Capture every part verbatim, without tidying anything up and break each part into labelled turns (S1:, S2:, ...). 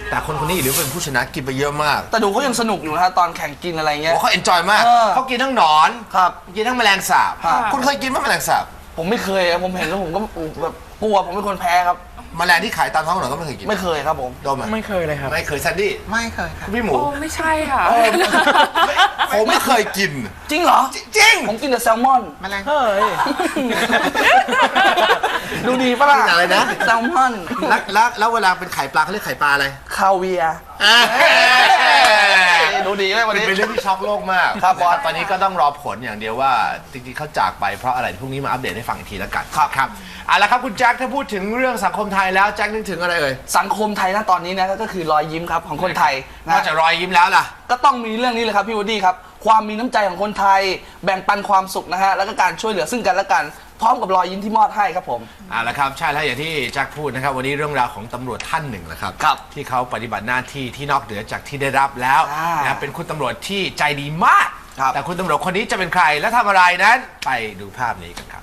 S1: แต่คนคนนี้หรือเป็นผู้ชนะกินไปเยอะมาก
S2: แต่ดูเขายังสนุกอยู่นะฮะตอนแข่งกินอะไรเงี้ย
S1: เขาเอนจอยมากเขากินทั้งหนอน
S2: ครับ
S1: กินทั้งแมลงสาบคุณเคยกินไหมแมลงสาบ
S2: ผมไม่เคยผมเห็นแล้วผมก็แบบกลัวผมเป็นคนแพ้ครับ
S1: แมลงที่ขายตามท้องถนนก็ไม่เคยกิน
S2: ไม่เคยครับผม
S1: โดม
S3: ไม่เคยเลยครับ
S1: ไม่เคยแซนดี้
S4: ไม่เคยครับ
S1: พี่หมู
S5: โอ้ไม่ใช่ค่ะ
S1: ผมไม่เคยกิน
S2: จริงเหรอ
S1: จริง
S2: ผมกินแต่แซลมอน
S4: แมลง
S3: เฮ้ย
S2: ดูดีปะล่ะ
S1: อะไรนะ
S2: แซลมอน
S1: แล้วแล้วเวลาเป็นไข่ปลาเขาเรียกไข่ปลาอะไร
S2: คาเวียดูดีเลยวันนี้
S1: เป็นเรื่องที่ช็อกโลกมาก
S2: ครับบอส
S1: ตอนนี้ก็ต้องรอผลอย่างเดียวว่าจริงๆเขาจากไปเพราะอะไรพรุ่งนี้มาอัปเดตให้ฟังอีกทีแล้วกัน
S2: ครับ
S1: ครับเอาละครับคุณแจ็คถ้าพูดถึงเรื่องสังคมไทยแล้วแจ็คนึกถึงอะไรเอ่ย
S2: สังคมไทยนะตอนนี้นะก็คือรอยยิ้มครับของคนไทย
S1: นอกจากรอยยิ้มแล้วล่ะ
S2: ก็ต้องมีเรื่องนี้เลยครับพี่วูดดี้ครับความมีน้ำใจของคนไทยแบ่งปันความสุขนะฮะแล้วก็การช่วยเหลือซึ่งกันและกันพร้อมกับรอยยิ้มที่มอบให้ครับผม
S1: เอาละครับใช่แล้วอย่างที่แจ็คพูดนะครับวันนี้เรื่องราวของตำรวจท่านหนึ่งแหละครับที่เขาปฏิบัติหน้าที่ที่นอกเหนือจากที่ได้รับแล้วนะเป็นคุณตำรวจที่ใจดีมากแต่คุณตำรวจคนนี้จะเป็นใครและทำอะไรนั้นไปดูภาพนี้กันครับ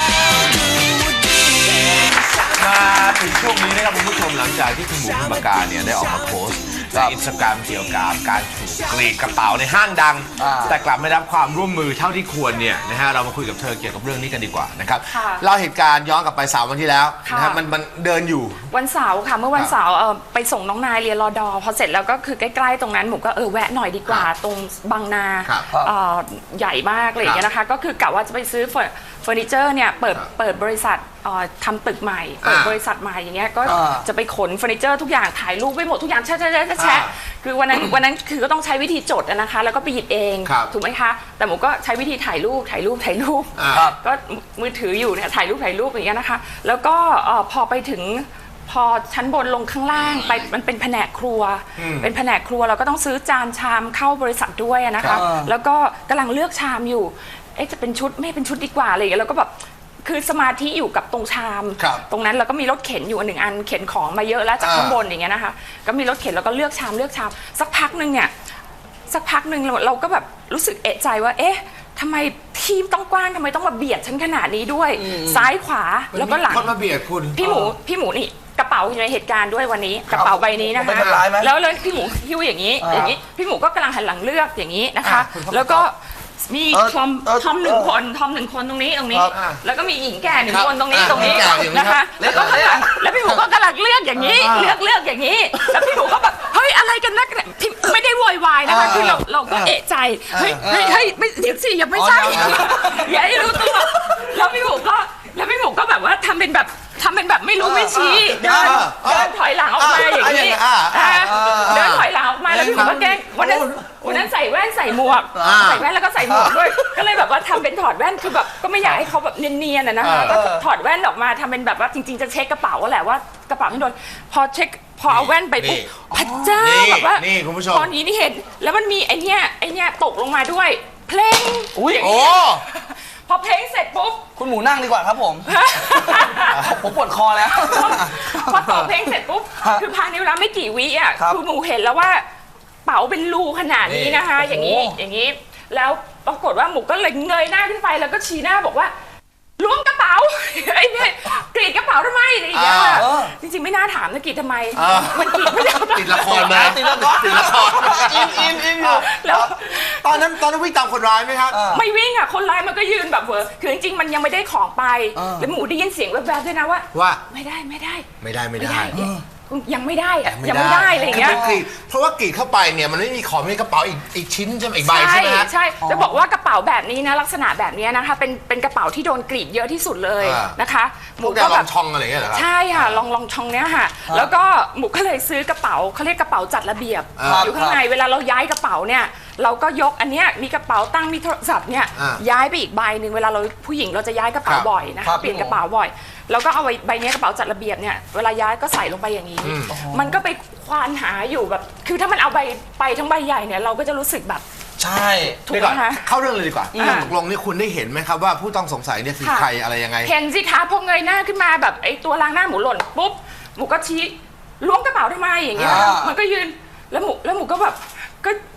S1: มาถึงช่วงนี้นะครับคุณผู้ชมหลังจากที่คุณหมูพิมพ์ปากกาเนี่ยได้ออกมาโพสต์ในอินสตาแกรมเกี่ยวกับการถูกกรีดกระเป๋าในห้างดังแต่กลับไม่รับความร่วมมือเท่าที่ควรเนี่ยนะฮะเรามาคุยกับเธอเกี่ยวกับเรื่องนี้กันดีกว่านะครับเล่าเหตุการณ์ย้อนกลับไปสามวันที่แล้วนะครับมันมันเดินอยู่
S5: วันเสาร์ค่ะเมื่อวันเสาร์ไปส่งน้องนายเรียนรอดอพอเสร็จแล้วก็คือใกล้ๆตรงนั้นหมูก็เออแวะหน่อยดีกว่าตรงบางนาใหญ่มากเลยอย่างเงี้ยนะคะก็คือกะว่าจะไปซื้อเฟอร์นิเจอร์เนี่ยเปิดเปิดบริษัททำตึกใหม่เปิดบริษัทใหม่อย่างเงี้ยก็จะไปขนเฟอร์นิเจอร์ทุกอย่างถ่ายรูปไปหมดทุกอย่างแชะแชะแชะแชะคือวันนั้นวันนั้นคือก็ต้องใช้วิธีจดนะคะแล้วก็ไปหยิบเองถูกไหมคะแต่หมูก็ใช้วิธีถ่ายรูปถ่ายรูปถ่ายรูปก็มือถืออยู่เนี่ยถ่ายรูปถ่ายรูปอย่างเงี้ยนะคะแล้วก็พอไปถึงพอชั้นบนลงข้างล่างไปมันเป็นแผนกครัวเป็นแผนกครัวเราก็ต้องซื้อจานชามเข้าบริษัทด้วยนะคะแล้วก็กำลังเลือกชามอยู่เอ๊ะจะเป็นชุดไม่เป็นชุดดีกว่าอะไรอย่างเงี้ยแล้วก็แบบคือสมาธิอยู่กับตรงชามตรงนั้นแล้วก็มีรถเข็นอยู่หนึ่งอันเข็นของมาเยอะแล้วจากข้างบนอย่างเงี้ยนะคะก็มีรถเข็นแล้วก็เลือกชามเลือกชามสักพักนึงเนี่ยสักพักนึงเราเราก็แบบรู้สึกเอะใจว่าเอ๊ะทำไมทีมต้องกว้างทำไมต้องมาเบียดฉันขนาดนี้ด้วยซ้ายขวาแล้วก็หลัง
S1: คนมาเบียดคุณ
S5: พี่หมูพี่หมูนี่กระเป๋าอยู่ในเหตุการณ์ด้วยวันนี้กระเป๋าใบนี้นะคะแล้วเลยพี่หมูหิ้วอย่างนี้อย่างนี้พี่หมูก็กำลังหันหลังเลือกอย่างนี้นะคะแล้วก็มีทอมทอมหนึ่งคนทอมหนึ่งคนตรงนี้ตรงนี้แล้วก็มีหญิงแก่หนึ่งคนตรงนี้ตรงนี้นะคะแล้วก็แล้วพี่หมูก็กำลังเลือกอย่างนี้เลือกเลือกอย่างนี้แล้วพี่หมูก็แบบเฮ้ยอะไรกันนักไม่ได้โวยวายนะคะคือเราเราก็เอะใจเฮ้ยเฮ้ยเฮ้ยไม่เดี๋ยวสิยังไม่ใช่อย่าให้รู้ตัวแล้วพี่หมูก็แล้วพี่หมูก็แบบว่าทำเป็นแบบทำเป็นแบบไม่รู้ไม่ชี้เดินเดินถอยหลังออกมาอย่างนี้เดินถอยหลังออกมาแล้วพี่หมูก็แกล้งวันนั้นวันนั้นใส่แว่นใส่หมวกใส่แว่นแล้วก็ใส่หมวกด้วยก็เลยแบบว่าทำเป็นถอดแว่นคือแบบก็ไม่อยากให้เขาแบบเนียนๆนะคะก็ถอดแว่นออกมาทำเป็นแบบว่าจริงๆจะเช็คกระเป๋าแหละว่ากระเป๋าไม่โดนพอเช็คพอเอาแว่นไปปุ๊บพระเจ้าแบบว่าตอนนี้นี่เห็นแล้วมันมีไอเนี้ยไอเนี้ยตกลงมาด้วยเพลง
S2: อุ้ย
S5: โอ้พอเพลงเสร็จปุ๊บ
S2: คุณหมูนั่งดีกว่าครับผมผมปวดคอแล้ว
S5: พอตกเพลงเสร็จปุ๊บคือภายในเวลาไม่กี่วิอ่ะคือหมูเห็นแล้วว่าเป๋าเป็นรูขนาดนี้นะคะอย่างนี้อย่างนี้แล้วปรากฏว่าหมูก็เลยเงยหน้าขึ้นไปแล้วก็ชี้หน้าบอกว่าล้วงกระเป๋าไอ้เนี่ยกรีดกระเป๋าทำไมอะไรอย่างเงี้ยจริงๆไม่น่าถามนะกรีดทำไมมันกรีดไม่ได้
S1: ติดละครมา
S2: ติดละคร
S1: ติดละครอินอินอินอยู่แล้วตอนนั้นตอนนั้นวิ่งตามคนร้ายไหมครับ
S5: ไม่วิ่งอ่ะคนร้ายมันก็ยืนแบบเวอร์คือจริงๆมันยังไม่ได้ของไปแล้วหมูได้ยินเสียงแวบๆด้วยนะว่า
S1: ว่า
S5: ไม่ได้ไม่ได้
S1: ไม่ได้ไม่ได้
S5: ยังไม่ได้อะยังไม่ได้อะไรอย่างเงี้ย
S1: เพราะว่ากรีดเข้าไปเนี่ยมันไม่มีของในกระเป๋าอีกอีกชิ้นใช่ไหมอีกใบใช่ไหม
S5: ใช่จะบอกว่ากระเป๋าแบบนี้นะลักษณะแบบนี้นะคะเป็นเป็นกระเป๋าที่โดนกรีดเยอะที่สุดเลยนะคะ
S1: หมูก็แบบลองช่องอะไรอย่างเงี้ยเหรอ
S5: ใช่ค่ะลองลองช่องเนี้ยค่ะแล้วก็หมูก็เลยซื้อกระเป๋าเขาเรียกกระเป๋าจัดระเบียบอยู่ข้างในเวลาเราย้ายกระเป๋าเนี่ยเราก็ยกอันเนี้ยมีกระเป๋าตั้งมีโทรศัพท์เนี่ยย้ายไปอีกใบหนึ่งเวลาเราผู้หญิงเราจะย้ายกระเป๋าบ่อยนะคะเปลี่ยนกระเป๋าบ่อยแล้วก็เอาใบนี้กระเป๋าจัดระเบียบเนี่ยเวลาย้ายก็ใส่ลงไปอย่างนี้มันก็ไปควานหาอยู่แบบคือถ้ามันเอาใบไปทั้งใบใหญ่เนี่ยเราก็จะรู้สึกแบบ
S2: ใช่
S5: ถูกไหมคะ
S1: เข้าเรื่องเลยดีกว่าตกลงนี่คุณได้เห็นไหมครับว่าผู้ต้องสงสัยเนี่ยคือใครอะไรยังไง
S5: เห็นสิคะพอเงยหน้าขึ้นมาแบบไอ้ตัวล้างหน้าหมูหล่นปุ๊บหมูก็ชี้ล้วงกระเป๋าทำไมอย่างเงี้ยมันก็ยืนแล้วหมูแล้วหมูก็แบบก็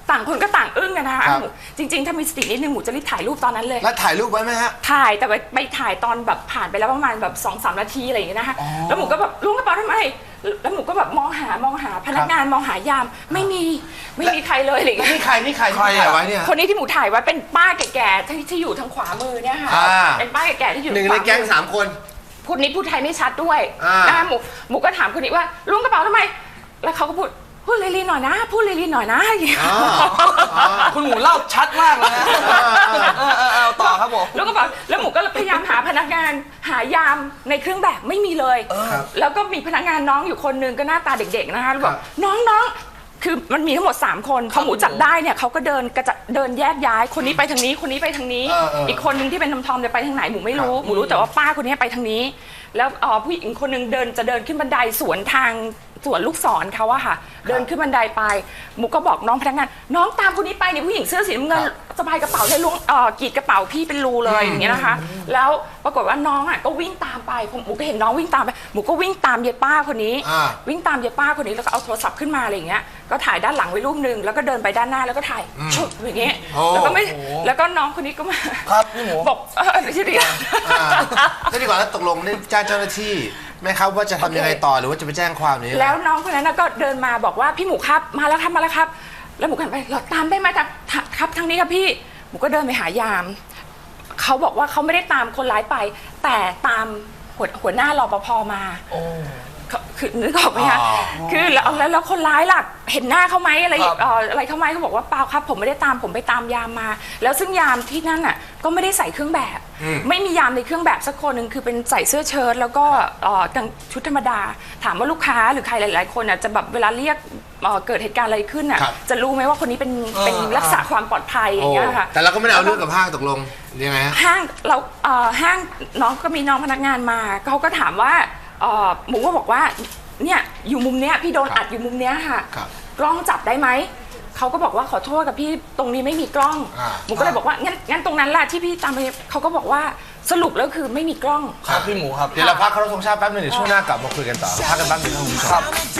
S5: ต่างคนก็ต่างอึ้งกันนะคะ
S1: ครับ
S5: หมูจริงๆถ้ามีสตินิดนึงหมูจะรีบถ่ายรูปตอนนั้นเลย
S1: แล้วถ่ายรูปไว้ไหมฮะ
S5: ถ่ายแต่ไปไปถ่ายตอนแบบผ่านไปแล้วประมาณแบบสองสามนาทีอะไรอย่างเงี้ยนะคะแล้วหมูก็แบบล้วงกระเป๋าทำไมแล้วหมูก็แบบมองหามองหาพนักงานมองหายามไม่มีไม่มีใครเลยอะไรอย่างเงี้ย
S1: นี่ใครนี่ใครที่ถ่ายไว้เนี่ย
S5: คนนี้ที่หมูถ่ายไว้เป็นป้าแก่ๆที่ที่อยู่ทางขวามือเนี่ยค่ะ
S1: อ่า
S5: เป็นป้าแก่ๆที่อยู่
S1: หนึ่ง
S5: ทา
S1: ใน
S5: ขวา
S1: แก๊ง
S5: มือ
S1: สามคน
S5: พูดนี้พูดไทยไม่ชัดด้วย
S1: อ่าน
S5: นะคะหมูหมูก็ถามคนนี้ว่าล้วงกระเป๋าทำไม แล้วเขาก็พูดพูดลีๆหน่อยนะ พูดลีๆหน่อยนะอย่างเงี้ย
S1: อ๋ออ๋อ
S2: คุณหมูเล่าชัดมากเลยนะเออเออเออเอาต่อครับผม
S5: แล้วก็แบบแล้วหมูก็พยายามหาพนักงานหายามในเครื่องแบบไม่มีเลย
S1: ครับ
S5: แล้วก็มีพนักงานน้องอยู่คนนึงก็หน้าตาเด็กๆนะคะแล้วบอ
S1: ค
S5: ก
S1: รับ
S5: น้องน้องคือมันมีทั้งหมดสามคนพอหมูจับได้เนี่ยเขาก็เดินกระจะเดินแยกย้ายคนนี้ไปทางนี้คนนี้ไปทางนี้
S1: เออเอออี
S5: อีกคนนึงที่เป็นทอมทอมจะไปทางไหนหมูไม่รู้หมูรู้แต่ว่าป้าคนนี้ไปทางนี้ แล้วเอ่อผู้หญิงคนนึงเดินจะเดินขึ้นบันไดสวนทางสวนลูกศรเขาอะค่ะ เดินขึ้นบันไดไปหมูก็บอกน้องพนักงาน น้องตามคนนี้ไปเนี่ยผู้หญิงเสื้อสีน้ำเงินสะพายกระเป๋าเลยล้วงเอ่อกรีดกระเป๋าพี่เป็นรูเลยอย่างเงี้ยนะคะ แล้วปรากฏว่าน้องอะก็วิ่งตามไปผมหมูก็เห็นน้องวิ่งตามไปหมูก็วิ่งตามเยายป้าคนนี้
S1: อ่า
S5: วิ่งตามเยายป้าคนนี้แล้วก็เอาโทรศัพท์ขึ้นมาอะไรอย่างเงี้ยก็ถ่ายด้านหลังไว้รูปหนึ่งแล้วก็เดินไปด้านหน้าแล้วก็ถ่ายชุดอย่างเงี้ย
S1: โอ้
S5: แล้วก็ไม่แล้วก็น้องคนนี้ก็มา
S2: ครับพี่หมู
S5: บอกเออเดี๋ยวเดี๋ยว
S1: อ่าก็ดีกว่าแล้วตกลงได้แจ้งเจ้าหน้าที่ไหมครับว่าจะทำยังไงต่อหรือว่าจะไปแจ้งความนี้
S5: แล้วน้องคนนั้นนะก็เดินมาบอกว่าพี่หมูครับมาแล้วครับมาแล้วครับ แล้วหมูก็หันไปเราตามได้ไหมครับครับทางนี้ครับพี่หมูก็เดินไปหายามเขาบอกว่าเขาไม่ได้ตามคนร้ายไป แต่ตามหัวหัวหน้ารปภมาเขาคือนึกออกไหมคะ
S1: อ๋อ
S5: คือแล้วแล้วแล้วคนร้ายล่ะเห็นหน้าเขาไหมอะไร
S2: ครับ
S5: เอ่ออะไรเขาไหมเขาบอกว่าเปล่าครับ ผมไม่ได้ตามผมไปตามยามมา แล้วซึ่งยามที่นั่นน่ะก็ไม่ได้ใส่เครื่องแบบ ไม่มียามในเครื่องแบบสักคนหนึ่งคือเป็นใส่เสื้อเชิ้ตแล้วก็เอ่อกางชุดธรรมดา ถามว่าลูกค้าหรือใครหลาย ๆ คนอ่ะจะแบบเวลาเรียกเอ่อเกิดเหตุการณ์อะไรขึ้นอ่ะ
S1: ครับ
S5: จะรู้ไหมว่าคนนี้เป็น
S2: เออ
S5: เป็นรักษาความปลอดภัยอ
S1: โอ้
S5: ย่างเงี้ยค่ะ
S1: แต่เราก็ไม่ได้เอาเรื่องกับห้างตกลงยังไงฮะ
S5: ห้างเราเอ่อห้างน้องก็มีน้องพนักงานมาเขาก็ถามว่าเอ่อหมูก็บอกว่าเนี่ยอยู่มุมเนี้ยพี่โดน
S1: ครับ
S5: อัดอยู่มุมเนี้ยค่ะ
S1: ครับ
S5: กล้องจับได้ไหมเขาก็บอกว่าขอโทษกับพี่ตรงนี้ไม่มีกล้อง
S1: อ่า
S5: หมูก็เลยบอกว่างั้นงั้นตรงนั้นล่ะที่พี่ตามไปเขาก็บอกว่าสรุปแล้วคือไม่มีกล้อง
S2: ครับพี่หมูครับ
S1: เดี๋ยวเราพักเคารพธงชาติแป๊บนึงเดี๋ยวช่วงหน้ากลับมาคุยกันต่อพักกันแป๊บนึงครับคุณผู้ชม
S2: ครับ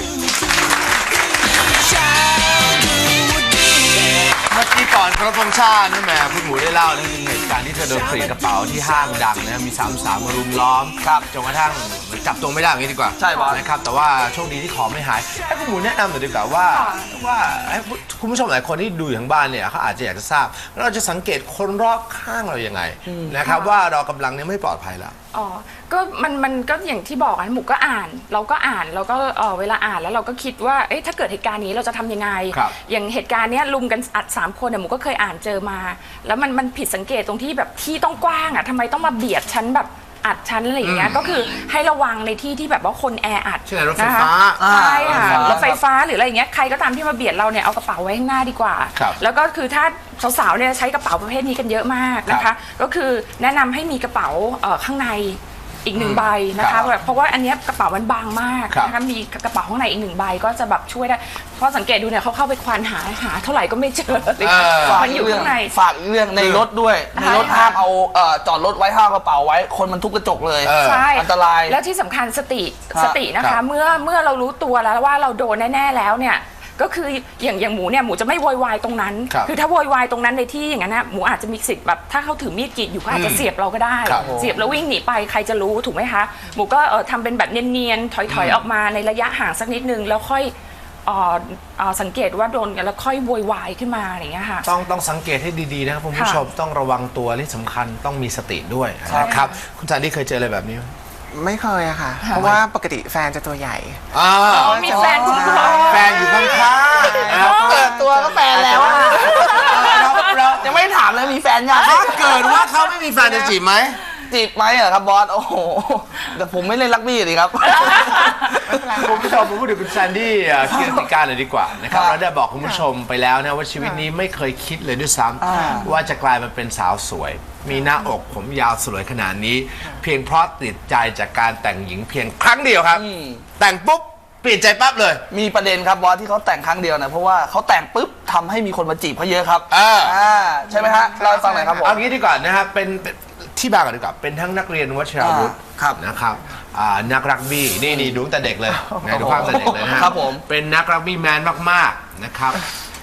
S1: เมื่อกี้ก่อนเคารพธงชาตินั่นแหมคุณหมูได้เล่านะถึงเหตุการณ์ที่เธอโดนกรีดกระเป๋าที่ห้างดังนะมีสามสาวมารุมล้อม
S2: ครับ
S1: จนกระทั่งจับตัวไม่ได้อย่างนี้ดีกว่า
S2: ใช่บอส
S1: นะครับแต่ว่าโชคดีที่ของไม่หายให้คุณหมูแนะนำหน่อยดีกว่าว่า
S5: ค่ะ
S1: ว่าให้คุณผู้ชมหลายคนที่ดูอยู่ทางบ้านเนี่ยเขาอาจจะอยากจะทราบเราจะสังเกตคนรอบข้างเรายังไงนะครับว่าเรากำลังเนี่ยไม่ปลอดภัยแล้ว
S5: อ๋อ ก็มันมันก็อย่างที่บอกอะหมูก็อ่าน เราก็อ่านแล้วก็เออเวลาอ่านแล้วเราก็คิดว่า เอ๊ะถ้าเกิดเหตุการณ์นี้เราจะทำยังไง
S1: ครับ
S5: อย่างเหตุการณ์เนี้ยลุมกันอัดสามคนเนี่ยหมูก็เคยอ่านเจอมา แล้วมันมันผิดสังเกตตรงที่แบบที่ต้องกว้างอะทำไมต้องมาเบียดชั้นแบบอัดชั้นอะไรอย่างเงี้ย ก็คือให้ระวังในที่ที่แบบว่าคนแออัด
S1: เช่นรถไฟฟ้า
S5: นะคะใช่ค่ะ
S2: อ่าร
S5: ถไฟฟ้าหรืออะไรอย่างเงี้ย ใครก็ตามที่มาเบียดเราเนี่ยเอากระเป๋าไว้ข้างหน้าดีกว่า
S1: ครับ
S5: แล้วก็คือถ้าสาวๆเนี่ยใช้กระเป๋าประเภทนี้กันเยอะมากนะ
S1: ครั
S5: คะ
S1: บ
S5: ก็คือแนะนำให้มีกระเป๋าเอ่อข้างในอีกหนึ่งใบนะ
S1: ครั
S5: คะ
S1: บ
S5: แบบเพราะว่าอันเนี้ยกระเป๋ามันบางมาก
S1: ครับ
S5: นะคะมีกระเป๋าข้างในอีกหนึ่งใบก็จะแบบช่วยได้เพราะสังเกตดูเนี่ยเขาเข้าไปควานหาหาเท่าไหร่ก็ไม่เจอเลย
S1: เออ
S2: ฝาก
S5: มันอยู่ข้างใน
S2: ฝากอีกเรื่องในรถด้วย ในรถ
S5: ใช่ค่ะ
S2: ห้ามเอาเอ่อจอดรถไว้ห้ามเอากระเป๋าไว้ คนมันทุบกระจกเลย
S1: เออ
S5: ใช่
S2: อันตราย
S5: แล้วที่สำคัญสติ
S2: ครับ
S5: สตินะ
S1: ครั
S5: คะ
S1: บ
S5: เมื่อเมื่อเรารู้ตัวแล้วว่าเราโดนแน่ๆแล้วเนี่ยก็คืออย่างอย่างหมูเนี่ยหมูจะไม่โวยวายตรงนั้น
S1: ครับ
S5: อถ้าโวยวายตรงนั้นในที่อย่างนั้นนะหมูอาจจะมีสิทธิ์แบบถ้าเขาถือมีดกรีดอยู่เขาอาจจะเสียบเราก็ได้
S1: ครับ
S5: เสียบแล้ววิ่งหนีไปใครจะรู้ถูกไหมคะหมูก็เออทำเป็นแบบเนียนๆถอยๆออกมาในระยะห่างสักนิดนึงแล้วค่อยเอ่อเอ่อสังเกตว่าโดนกันแล้วค่อยโวยวายขึ้นมาอะไรอย่างเงี้ยค่ะ
S1: ต้องต้องสังเกตให้ดีๆนะครับคุณผู้ชมต้องระวังตัวที่สำคัญต้องมีสติด้วย
S2: ครับ
S1: นะครับคุณจันที่เคยเจออะไรแบบนี้ไหม
S3: ไม่เคยอะค่ะ เพราะว่าปกติแฟนจะตัวใหญ่
S1: อ่า
S5: อ๋อมีแฟนคุ้มครอง
S1: แฟนอยู่ข้างๆนะครับ
S2: เปิดตัวก็แฟนแล้วอะ
S1: เราเรา
S2: ยังไม่ถามเลยมีแฟนยัง
S1: ถ้าเกิดว่าเขาไม่มีแฟนจะจีบไหม
S2: จีบไหมเหรอครับบอส โอ้โห แต่ผมไม่เล่นรักบี้เลยครับ
S1: คุณผู้ชมผมพูดถึงคุณแซนดี้อ่ะกิรติการเลยดีกว่านะครับ
S2: ครับ
S1: เราได้บอกคุณผู้ชมไปแล้วนะว่าชีวิตนี้ไม่เคยคิดเลยด้วยซ้
S2: อ่า
S1: ำว่าจะกลายมาเป็นสาวสวย มีหน้าอกผมยาวสวยขนาดนี้ เพียงเพราะติดใจจากการแต่งหญิงเพียงครั้งเดียวครับ
S2: อืม
S1: แต่งปุ๊บเปลี่ยนใจปั๊บเลย
S2: มีประเด็นครับบอสที่เขาแต่งครั้งเดียวนะเพราะว่าเขาแต่งปุ๊บทำให้มีคนมาจีบเขาเยอะครับ
S1: อ่า
S2: อ่าใช่ไหมฮะเล่าให้ฟังหน่อยครับผม
S1: เอางี้ดีกว่านะครับเป็นเป็นที่บางก่อนดีกว่าเป็นทั้งนักเรียนวชิราวุธ
S2: อ่าครับ
S1: นะครับอ่านักรักบี้นี่นี่ดูตั้งแต่เด็กเลยนะดูภาพตั้งแต่เด็กเลยนะฮะ
S2: ครับผม
S1: เป็นนักรักบี้แมนมากๆนะครับ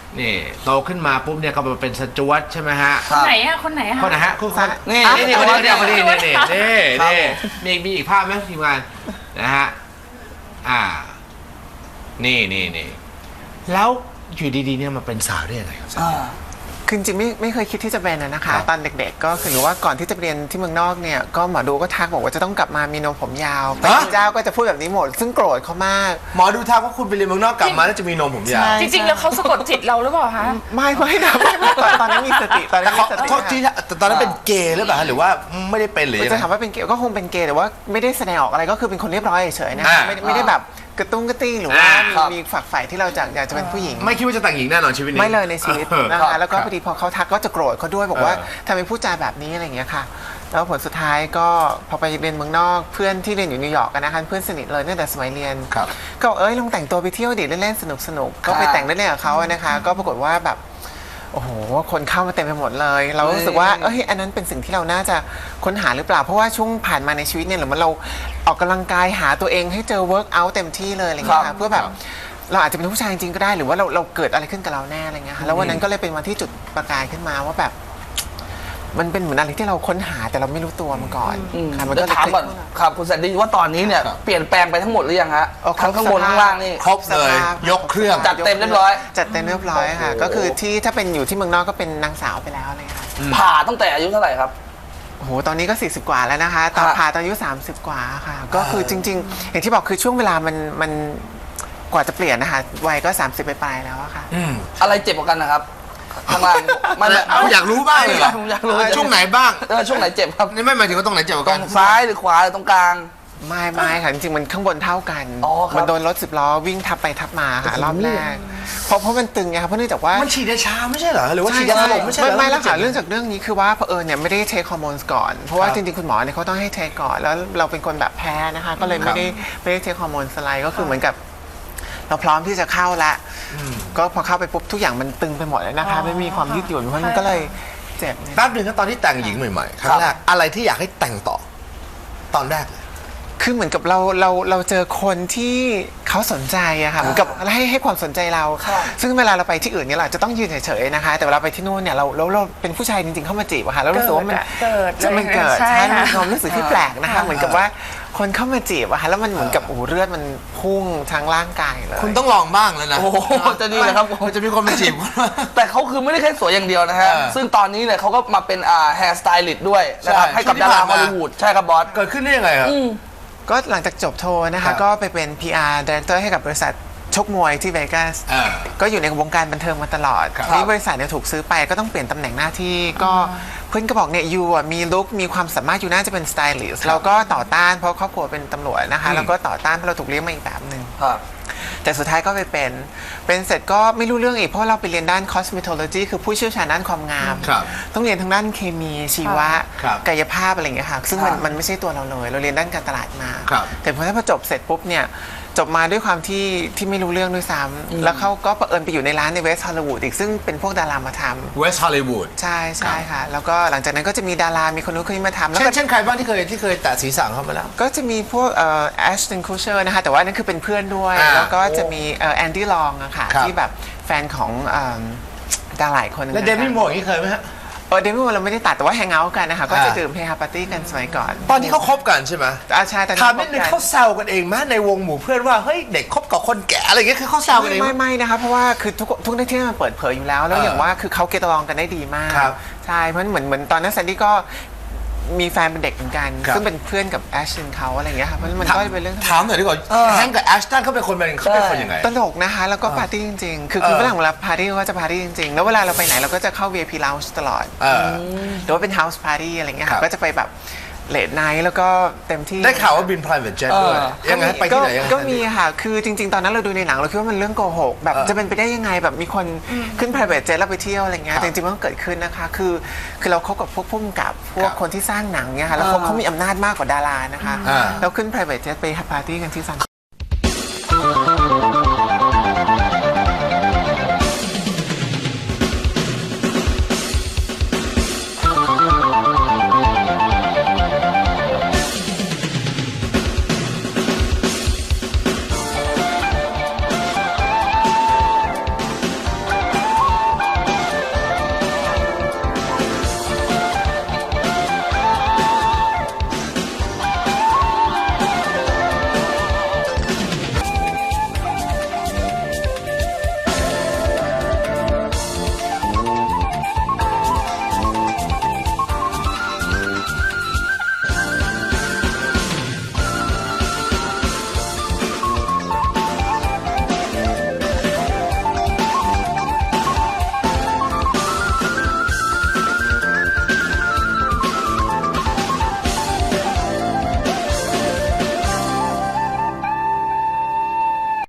S1: นี่โตขึ้นมาปุ๊บเนี่ยก็มาเป็นสจ๊วตใช่ไหมฮะ
S5: คนไหนอะคนไหนอะ
S1: คนไหนฮะคุณคน
S2: นี่
S1: นี่นี่คนนี้คนนี้คนนี้
S5: สจ๊วต
S1: นี่นี่นี่มีมีอีกภาพไหมทีมงานนะฮะอ่านี่นี่นี่แล้วอยู่ดีๆเนี่ยมาเป็นสาวได้ยังไงครับ
S2: อ่า
S3: คือจริงๆไม่ไม่เคยคิดที่จะเป็นอะนะคะ
S1: ครับ
S3: ตอนเด็กๆก็คือว่าก่อนที่จะไปเรียนที่เมืองนอกเนี่ยก็หมอดูก็ทักบอกว่าจะต้องกลับมามีนมผมยาวพระเจ้าก็จะพูดแบบนี้หมด ซึ่งโกรธเขามาก
S1: หมอดูทักว่าคุณไปเรียนเมืองนอกกลับมาแล้วจะมีนมผมยาว
S3: ใช่
S5: จริงๆแล้วเขาสะกดจิตเราหรือเปล่าคะ
S3: ไม่ไม่นะไม่ไม่ตอนตอนนั้นมีสติตอนนั้
S1: แต่
S3: น
S1: เขา
S3: มีสติ
S1: โทษทีนะแต่ตอนนั้นเป็นเกย์หรือเปล่าฮะหรือว่าไม่ได้เป็นหรือยัง
S3: จะ
S1: ไง
S3: ถามว่าเป็นเกย์ก็คงเป็นเกย์แต่ว่าไม่ได้แสดงออกอะไรก็คือเป็นคนเรียบร้อยเฉยๆนะ
S1: อ่า
S3: ไม่ได้ไม่ได้แบบกระตุ้งกระติ้งหรือว่า
S1: อ่า
S3: มี
S2: ครับ
S3: มีฝักใฝ่ที่เราจะอยากจะเป็นผู้หญิง
S1: ไม่คิดว่าจะแต่งหญิงแน่นอนชีวิตนี้
S3: ไม่เลยในชีวิต
S1: เออ
S3: นะ
S1: ครั
S3: คะ
S1: บ
S3: แล้วก็
S1: ครับ
S3: พอดีพอเขาทักก็จะโกรธเขาด้วยบอกว่า
S1: เออ
S3: ทำไมพูดจาแบบนี้อะไรอย่างเงี้ยค่ะแล้วผลสุดท้ายก็พอไปเรียนเมืองนอกเพื่อนที่เรียนอยู่นิวยอร์กกันนะคะเพื่อนสนิทเลยตั้งแต่สมัยเรียน
S1: ครับ
S3: ก็บอกเอ้ยลองแต่งตัวไปเที่ยวดิเล่นๆสนุกๆก็ไปแต่งเล่นๆกับเขาอะนะคะ ก็ปรากฏว่าแบบโอ้โหคนเข้ามาเต็มไปหมดเลย เรารู้สึกว่าเอ้ยอันนั้นเป็นสิ่งที่เราน่าจะค้นหาหรือเปล่าเพราะว่าช่วงผ่านมาในชีวิตเนี่ยหรือมันเราออกกำลังกายหาตัวเองให้เจอเวิร์กอัลเต็มที่เลยอะไรอย่างเงี้ย
S2: ครั
S3: ค่ะ
S2: บ
S3: เพื่อแบบเราอาจจะเป็นผู้ชายจริงๆก็ได้หรือว่าเราเราเกิดอะไรขึ้นกับเราแน่อะไรเงี้ยค่ะแล้ววันนั้นก็เลยเป็นวันที่จุดประกายขึ้นมาว่าแบบ มันเป็นเหมือนอะไรที่เราค้นหาแต่เราไม่รู้ตัวมาก่อนค่ะมัน
S2: เดี๋
S3: ก็
S2: ยว
S3: เลย
S2: ถามก่อนครับคุณแซนดี้ว่าตอนนี้เนี่ยเปลี่ยนแปลงไปทั้งหมดหรือยังฮะ
S3: เอ
S2: ทั้งข้างบนข้างล่างนี่
S1: ครบเลยยกเครื่อง
S2: จัดเต็มเรียบร้อย
S3: จัดเต็มเรียบร้อยค่ะก็คือที่ถ้าเป็นอยู่ที่เมืองนอกก็เป็นนางสาวไปแล้วเลยค่ะ
S2: ผ่าตั้งแต่อายุเท่าไหร่ครับ
S3: โอ้โหตอนนี้ก็สี่สิบกว่าแล้วนะคะตอน
S2: ครับ
S3: ผ่าตอนอายุสามสิบกว่าค่ะ ก็คือจริง ๆ อย่างที่บอกคือช่วงเวลามันมันกว่าจะเปลี่ยนนะคะวัยก็สามสิบไปปลายๆแล้วอะค่ะ
S2: อะไรเจ็บกว่ากันนะครับข้างล่างไม่ไม่
S1: เอาอยากรู้บ้างเลยเหรอ
S2: ผมอยากรู้
S1: ช่วงไหนบ้าง
S2: เออช่วงไหนเจ็บครับ
S1: นี่ไม่หมายถึงว่าตรงไหนเจ็บกว่า
S2: ตร
S1: กัน
S2: งซ้ายหรือขวาหรือตรงกลาง
S3: ไม่ไม่ค่ะจริงๆมันข้างบนเท่ากัน
S2: อ๋อครับ
S3: มันโดนรถสิบล้อวิ่งทับไปทับมาค่ะรอบแรกเพราะเพราะมันตึงไงคะเพราะเนื่องจากว่า
S1: มันฉีดยาชาไม่ใช่เหรอหรือว่าฉีดยาสลบไม่ใช่เหร
S3: ไม่
S1: อ
S3: ไม่แล้วค่ะเรื่องจากเรื่องนี้คือว่าเผอิญเนี่ยไม่ได้เทคฮอร์โมนก่อน เพราะว่าจริงๆคุณหมอเนี่ยเขาต้องให้เทคก่อนแล้วเราเป็นคนแบบแพ้นะคะก็เลยไม่ได้ไม่ได้เทคฮอร์โมนสไลด์ก็คือเหมือนกับ เราพร้อมที่จะเข้าละก็พอเข้าไปปุ๊บทุกอย่างมันตึงไปหมดเลยนะคะไม่มีความยืดหยุ่นเพราะมันก็เลยเจ็บเนี่ย
S1: แป๊บหนึ่งก็ตอนที่แต่งหญิงใหม่ๆครั้งแรกอะไรที่อยากให้แต่งต่อ ตอนแรกเลย
S3: คือเหมือนกับเราเราเราเจอคนที่เขาสนใจอะค่ะเหมือนกับให้ให้ความสนใจเรา ซึ่งเวลาเราไปที่อื่นเนี่ยเราอาจจะต้องยืนเฉยๆนะคะ แต่เวลาไปที่นู่นเนี่ยเราเราเราเป็นผู้ชายจริงๆเข้ามาจีบอะค่ะแล้วรู้สึกว่ามัน
S5: เกิด
S3: จะมันเกิด
S5: ใช่
S3: ใช่
S5: ค่ะ
S3: มันมีความรู้สึกที่แปลกนะคะ เหมือนกับว่าคนเข้ามาจีบอะค่ะแล้วมันเหมือนกับโอ้โหเลือดมันพุ่งทั้งร่างกายเลย
S1: คุณต้องลองบ้างแล้วนะ
S2: โอ้โหจะดีเลยครับ
S1: มันจะมีคนมาจีบคุณ
S2: แต่เขาคือไม่ได้แค่สวยอย่างเดียวนะฮะ
S1: เออ
S2: ซึ่งตอนนี้เนี่ยเขาก็มาเป็นอ่าแฮร์สไตลิสต์ด้วยนะครับ
S1: ใช่
S2: ให้กับ
S1: ช่วงที่
S2: ดารา
S1: ผ่าน
S2: ฮ
S1: มา
S2: อลลีวูดใช่ครับบอส
S1: เกิดขึ้นได้ยังไงครับ
S3: ก็หลังจากจบโทนะ
S1: ครั
S3: คะ
S1: บ
S3: ก็ไปเป็น พี อาร์ Director ให้กับบริษัทชกมวยที่เวกัส
S1: อ่า
S3: ก็อยู่ในวงการบันเทิงมาตลอด
S1: ครับ
S3: นี่บริษัทเนี่ยถูกซื้อไปก็ต้องเปลี่ยนตำแหน่งหน้าที่ก็เพื่อนก็บอกเนี่ยยูอ่ะมีลุคมีความสามารถอยู่น่าจะเป็นสไตลิสต์เราก็ต่อต้านเพราะครอบครัวเป็นตำรวจนะคะแล้วก็ต่อต้านเพราะเราถูกเลี้ยงมาอีกแบบหนึ่ง
S2: ครับ
S3: แต่สุดท้ายก็ไปเป็น เป็นเสร็จก็ไม่รู้เรื่องอีกเพราะเราไปเรียนด้าน cosmetology คือผู้เชี่ยวชาญด้านความงาม
S1: ครับ
S3: ต้องเรียนทางด้านเคมีชีวะ
S1: ครับ
S3: กายภาพอะไรอย่างเงี้ยค่ะ ซึ่งมัน
S2: ครับ
S3: มันไม่ใช่ตัวเราเลย เราเรียนด้านการตลาดมา
S1: ครับ
S3: แต่พอถ้าพอจบเสร็จปุ๊บเนี่ย จบมาด้วยความที่ที่ไม่รู้เรื่องด้วยซ้ำแล้วเขาก็เผอิญไปอยู่ในร้านในเวสต์ฮอลลีวูดอีกซึ่งเป็นพวกดารามาท
S1: เวสต์ฮอลลีวูด
S3: ำใช่ใช่ค่ะ แล้วก็หลังจากนั้นก็จะมีดารา มีคนนู้นคนนี้มาทำแล้ว
S1: เช่
S3: ก็
S1: นเช่นใครบ้างที่เคยที่เคยแตะศีรษะเข้ามาแล้ว
S3: ก็จะมีพวกเอ่อแอชตันคูเชอร์นะคะแต่ว่านั่นคือเป็นเพื่อนด้วย
S1: อ่า
S3: แล้วก็จะมีเอ่อแอนดี้ลองอะค่ะ
S1: ครับ
S3: ที่แบบแฟนของเอิ่มดาราหลายคน
S1: แล้วเดมี่โมอย่างนี้เคยไหมฮะ
S3: เออเดมี่โมเราไม่ได้ตัดแต่ว่าแฮงเอาท์กันนะคะก็จะ
S1: อ่า
S3: ดื่มเฮฮาปาร์ตี้กันสมัยก่อน
S1: ตอนที่เขาคบกันใช่ไหม
S3: อาชาแต่
S1: ถามนิดนึงเขาแซวกันเองไหมในวงหมู่เพื่อนว่าเฮ้ยเด็กคบกับคนแก่อะไรอย่างเงี้ยคือเขาแซวกันเองไหม
S3: ไม่ไม่นะคะเพราะว่าคือทุกทุกที่มันเปิดเผยอยู่แล้ว แล้ว
S1: เออ
S3: อย่างว่าคือเขาเกตลองกันได้ดีมาก
S1: ครับ
S3: ใช่เพราะเหมือนเหมือนตอนนั้นแซนดี้ก็มีแฟนเป็นเด็กเหมือนกัน
S1: ครับ
S3: ซึ่งเป็นเพื่อนกับแอชตันเขาอะไรอย่างเงี้ยค่ะเพราะมันก็เป็นเรื่องธรรมดา
S1: ถามหน่อยดีกว่าแฮงก์กับแอชตันเขาเป็นคนเป็นเขาเป็นคนยังไง
S3: ตลกนะคะแล้วก็ปาร์ตี้จริงๆ คือคือ
S1: เออ
S3: เวลาเวลาปาร์ตี้ก็จะปาร์ตี้จริงๆ แล้วเวลาเราไปไหนเราก็จะเข้า วี ไอ พี Lounge ตลอด
S1: เออ
S3: หรือว่าเป็น House Party อะไรเงี้ย
S1: ครั
S3: ค่ะ
S1: บ
S3: ก็จะไปแบบเลทไนท์แล้วก็เต็มที่
S1: ได้ข่าวว่าบิน private jet ด้วย
S2: เออ
S1: ยังไงไปที่ไหนยังไง
S3: ก็มีค่ะ คือจริง ๆ ตอนนั้นเราดูในหนังเราคิดว่ามันเรื่องโกหกแบบ
S1: เออ
S3: จะเป็นไปได้ยังไงแบบมีคนขึ้น private jet แล้วไปเที่ยวอะไรเงี้ย
S1: ครับ
S3: แต่จริงๆมันก็เกิดขึ้นนะคะ คือคือเราคบกับพวกผู้กำกับพว
S1: ครั
S3: ก
S1: บ
S3: คนที่สร้างหนังเนี่ยค่ะแล้วเขา
S2: อ่า
S3: เขามีอำนาจมากกว่าดารานะคะ
S1: อ่า
S3: แล้วขึ้น private jet ไปปาร์ตี้กันที่ซัน